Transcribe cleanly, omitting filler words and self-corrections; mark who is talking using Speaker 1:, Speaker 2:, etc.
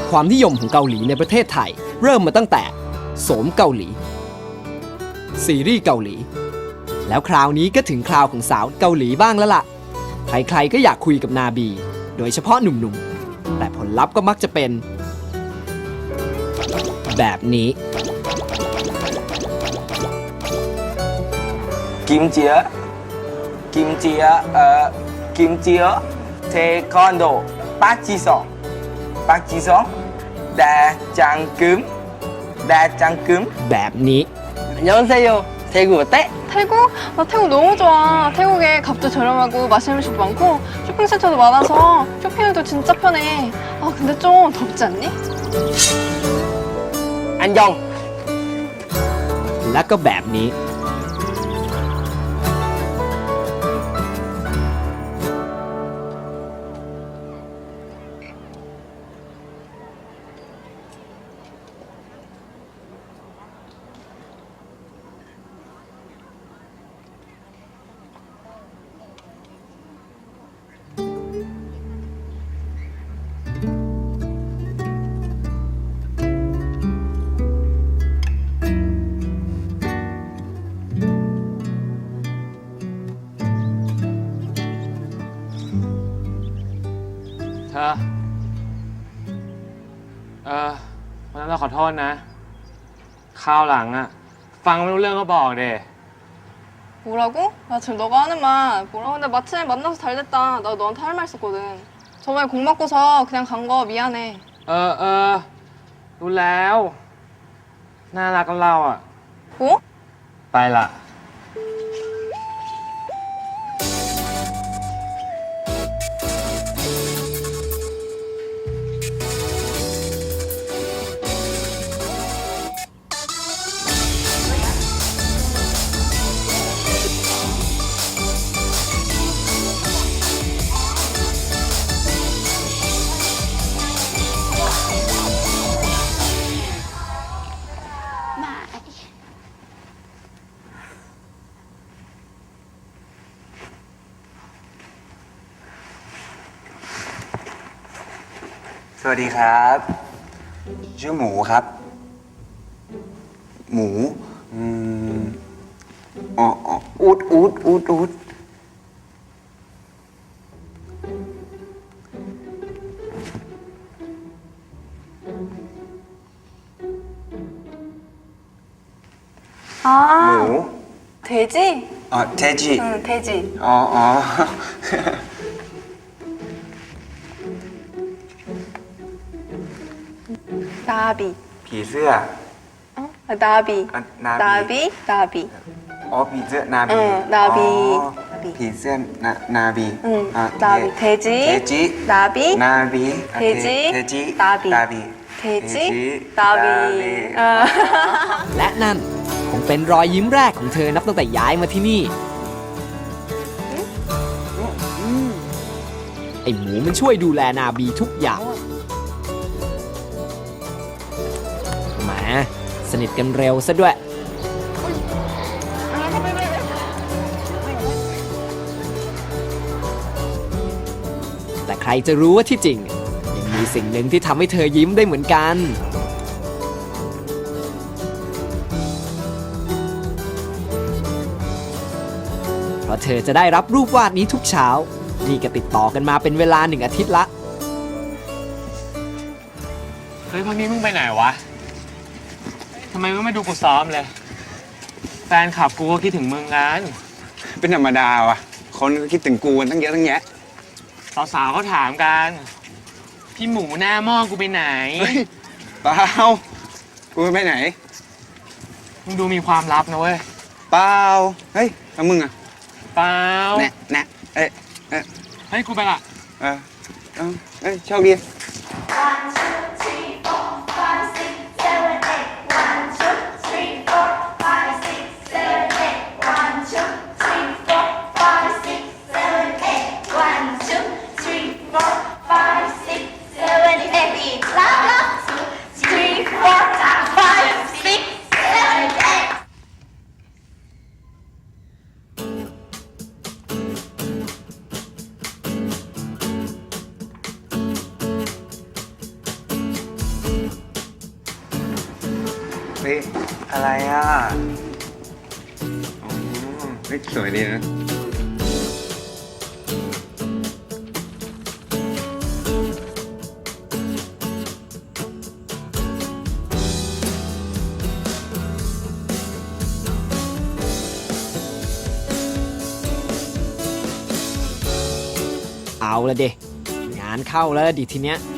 Speaker 1: ความนิยมของเกาหลีในประเทศไทยเริ่มมาตั้งแต่โสมเกาหลีซีรีส์เกาหลีแล้วคราวนี้ก็ถึงคราวของสาวเกาหลีบ้างแล้วล่ะใครๆก็อยากคุยกับนาบีโดยเฉพาะหนุ่มๆแต่ผลลัพธ์ก็มักจะเป็นแบบนี้
Speaker 2: 김치요 태권도 박지성 대장금
Speaker 1: แบบนี้
Speaker 2: 안녕하세요 대구 어때?
Speaker 3: 태국? 나 태국 너무 좋아. 태국에 값도 저렴하고 맛있는 음식 많고 쇼핑센터도 많아서 쇼핑하기도 진짜 편해. 아 근데 좀 덥지 않니?
Speaker 2: 안녕
Speaker 1: และก็แบบนี้
Speaker 4: เธอวันนั้นเราขอโทษนะคราวหลังอะฟังไม่รู้เรื่องก็บอกเด้
Speaker 3: 뭐라고? 나 지금 너가 하는 말 뭐라고? 근데 마침 만나서 잘 됐다. 나 너한테 할 말 있었거든. 저번에 공 맞고서 그냥 간 거 미안해.
Speaker 4: รู้แล้วน่ารักกับเราอะ
Speaker 3: 뭐?
Speaker 4: ไปละ
Speaker 5: สวัสดีครับชื่อหมูครับหมูอูด
Speaker 3: 아
Speaker 5: หมู
Speaker 3: 돼지?
Speaker 5: เทจิ
Speaker 3: 응 돼지.
Speaker 5: อ๋อ
Speaker 3: 나비.
Speaker 5: ผีเสื้อ
Speaker 3: 어? 아, 나비.
Speaker 5: 나비.
Speaker 3: 나비.
Speaker 5: อ๋อผีเสื้อนาบี
Speaker 3: 나비.
Speaker 5: อ๋อ
Speaker 3: 나비.
Speaker 5: ผีเสื้อนาบี
Speaker 3: 응
Speaker 5: อ่ะ
Speaker 3: 나비. 돼지.
Speaker 5: เทจิ
Speaker 3: 나비.
Speaker 5: นาบีโอเค
Speaker 3: 돼지.
Speaker 5: เทจิ
Speaker 3: 나비.
Speaker 5: นาบี
Speaker 3: 돼지.
Speaker 5: 나비.
Speaker 3: 나비. 어.
Speaker 1: และนั่นคงเป็นรอยยิ้มแรกของเธอนับตั้งแต่ย้ายมาที่นี่ไอหมูมันช่วยดูแลนาบีทุกอย่างแหมสนิทกันเร็วซะด้วย แต่ใครจะรู้ว่าที่จริงยังมีสิ่งหนึ่งที่ทำให้เธอยิ้มได้เหมือนกัน เพราะเธอจะได้รับรูปวาดนี้ทุกเช้า นี่ก็ติดต่อกันมาเป็นเวลา1 อาทิตย์ละ
Speaker 4: เฮ้ยพักนี้มึงไปไหนวะทำไมมึงไม่ดูกูซ้อมเลยแฟนคลับกูก็คิดถึงมึงกัน
Speaker 5: เป็นธรรมดาว่ะคนก็คิดถึงกูกันตั้งเยอะตั้งแยะ
Speaker 4: สาวๆเขาถามกันพี่หมูหน้าหม้อกูไปไหน
Speaker 5: เฮ้ยเปล่ากูไปไหน
Speaker 4: มึงดูมีความลับนะเว้ย
Speaker 5: เปล่าเฮ้ยแล้วมึงอะ
Speaker 4: เปล่า
Speaker 5: แน่เอ้ย
Speaker 4: เฮ้ยกูไปละ
Speaker 5: เอ้ยโชคดี
Speaker 6: 1, 2, 3, 4, 5, 6, 7, 8. 1, 2, 3, 4, 5, 6, 7, 8. 1, 2, 3, 4, 5, 6, 7, 8. 1, 2, 3, 4, 5, 6, 7, 8. Beat. Loud. 2, 3, 4, 5, 6, 7, 8.
Speaker 5: ฮ้ย
Speaker 2: อะไรอ่ะ
Speaker 5: อ๋อเฮ้ยสวยดีนะ
Speaker 1: เอาละเดงานเข้าแล้วดิทีเนี้ย